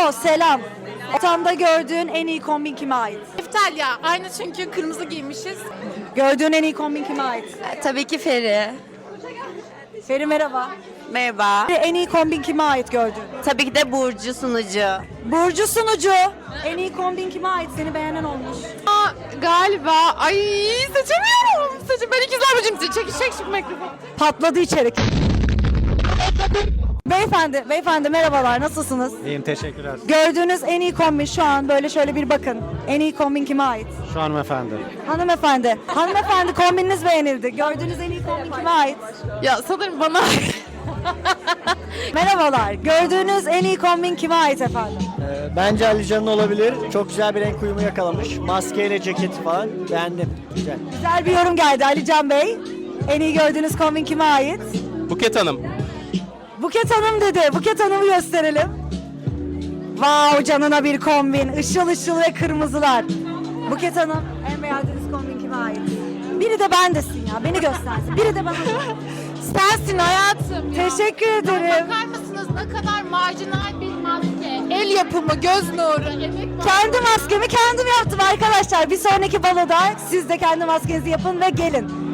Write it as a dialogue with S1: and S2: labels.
S1: Alo, selam. Ortamda gördüğün en iyi kombin kime ait?
S2: İftalya. Aynı çünkü kırmızı giymişiz.
S1: Gördüğün en iyi kombin kime ait?
S3: Tabii ki Feri.
S1: Feri merhaba.
S3: Merhaba.
S1: En iyi kombin kime ait gördün?
S3: Tabii ki de Burcu sunucu.
S1: Burcu sunucu. En iyi kombin kime ait? Seni beğenen olmuş.
S2: Galiba. Ay seçemiyorum. Ben ikizler bacım. Çek şu mikrofonu.
S1: Patladı içerik. Beyefendi merhabalar, nasılsınız?
S4: İyiyim, teşekkürler.
S1: Gördüğünüz en iyi kombin şu an böyle şöyle bir bakın. En iyi kombin kime ait?
S4: Şu hanımefendi.
S1: Hanımefendi kombininiz beğenildi. Gördüğünüz en iyi kombin kime ait?
S2: Ya sanırım bana.
S1: Merhabalar. Gördüğünüz en iyi kombin kime ait efendim?
S5: Bence Ali Can'ın olabilir. Çok güzel bir renk uyumu yakalamış. Maskeyle ceketi falan. Beğendim. Güzel.
S1: Güzel bir yorum geldi Ali Can Bey. En iyi gördüğünüz kombin kime ait?
S6: Buket Hanım.
S1: Buket Hanım dedi. Buket Hanım'ı gösterelim. Wow, canına bir kombin. Işıl ışıl ve kırmızılar. Buket Hanım, en beğendiğiniz kombin kime ait? Biri de bendesin ya. Beni göstersin. Biri de bana.
S2: Sensin hayatım ya.
S1: Teşekkür ederim.
S2: Bakar mısınız ne kadar marjinal bir maske. El yapımı, göz nuru, emek var.
S1: Kendi maskemi kendim yaptım arkadaşlar. Bir sonraki baloda siz de kendi maskenizi yapın ve gelin.